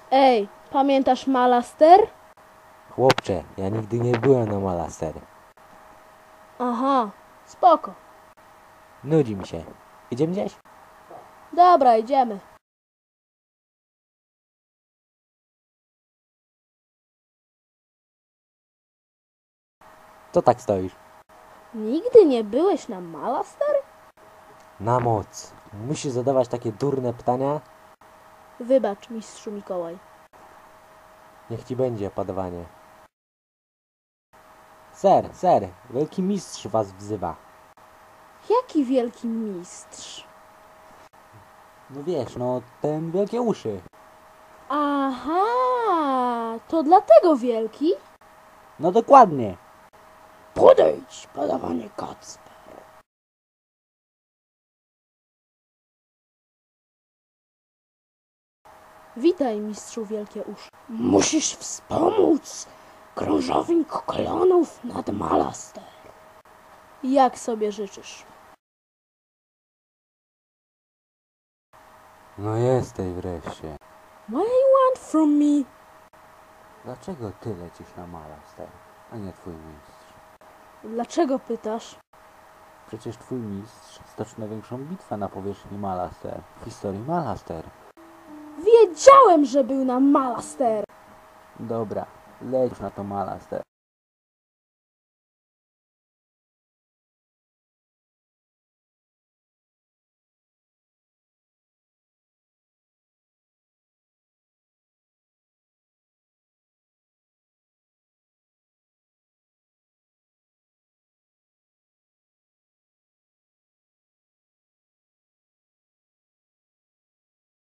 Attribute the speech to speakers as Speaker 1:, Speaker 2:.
Speaker 1: Ej, pamiętasz Malaster?
Speaker 2: Chłopcze, ja nigdy nie byłem na Malaster.
Speaker 1: Aha, spoko.
Speaker 2: Nudzi mi się. Idziemy gdzieś?
Speaker 1: Dobra, idziemy.
Speaker 2: Co tak stoisz?
Speaker 1: Nigdy nie byłeś na Malaster?
Speaker 2: Na moc. Musisz zadawać takie durne pytania?
Speaker 1: Wybacz, mistrzu Mikołaj.
Speaker 2: Niech ci będzie padawanie. Ser, wielki mistrz was wzywa.
Speaker 1: Jaki wielki mistrz?
Speaker 2: No wiesz, no ten wielkie uszy.
Speaker 1: Aha, to dlatego wielki?
Speaker 2: No dokładnie.
Speaker 1: Podejdź, padawanie Kacper. Witaj, mistrzu Wielkie Uszy. Musisz wspomóc krążownik klonów nad Malaster. Jak sobie życzysz?
Speaker 2: No jesteś wreszcie.
Speaker 1: What do you want from me?
Speaker 2: Dlaczego ty lecisz na Malaster, a nie twój mistrz?
Speaker 1: Dlaczego pytasz?
Speaker 2: Przecież twój mistrz stoczy największą bitwę na powierzchni Malaster w historii Malaster.
Speaker 1: Wiedziałem, że był na Malaster.
Speaker 2: Dobra, leć już na to Malaster.